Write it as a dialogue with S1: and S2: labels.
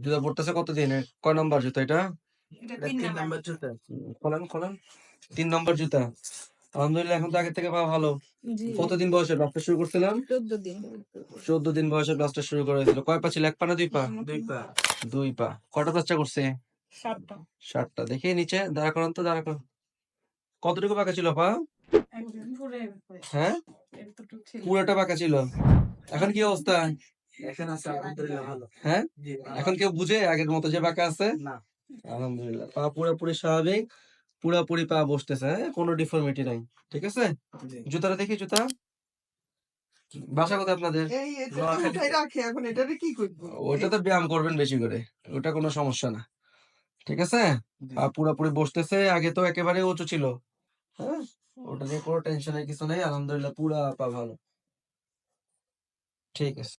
S1: জুতা পড়তেছে কতদিন? কয় নম্বর জুতা এটা?
S2: এটা
S3: এটা
S2: 3
S3: 3
S2: নাম্বার।
S3: নাম্বার জুতা।
S1: খোলেন খোলেন। 3 নম্বর জুতা। আলহামদুলিল্লাহ এখন তো আগের থেকে পা ভালো।
S2: জি
S1: কতদিন বয়সে ব্লাস্টার শুরু করছিলাম?
S2: 14 দিন।
S1: 14 দিন বয়সে ব্লাস্টার শুরু করে হয়েছিল। কয় পা ছিল? 1 পা না 2 পা?
S3: 2 পা।
S1: 2 পা। কয়টা প্লাস্টার করছে?
S2: 7টা।
S1: 7টা। দেখি নিচে দাঁড়া করান তো, দাঁড়া করান। কতটুকু পাকা ছিল পা?
S2: একদম পুরো
S1: হ্যাঁ?
S2: এতটুকু ছিল।
S1: পুরোটা পাকা ছিল। এখন কি অবস্থা?
S3: এখন আছে আলহামদুলিল্লাহ ভালো।
S1: হ্যাঁ?
S3: জি
S1: এখন কেউ বুঝে আগের মতো যে পাকা আছে?
S3: না।
S1: আলহামদুলিল্লাহ। পা পুরোপুরি স্বাভাবিক। পুরোপুরি পা বসতেছে, হ্যাঁ? কোনো ডিফর্মিটি নাই। ঠিক আছে?
S3: জি।
S1: জুতাটা দেখি জুতা। বাসা কোথায় আপনাদের?
S4: এই এটা তো উঠাই রাখে, এখন এটারে কি করব?
S1: ওইটাতে ব্যায়াম করবেন বেশি করে। ওটা কোনো সমস্যা না। ঠিক আছে?
S3: জি।
S1: পা পুরোপুরি বসতেছে। আগে তো একেবারে উঁচু ছিল। হ্যাঁ? ওটা নিয়ে কোনো টেনশনের কিছু নেই। আলহামদুলিল্লাহ পুরা পা ভালো। ঠিক আছে।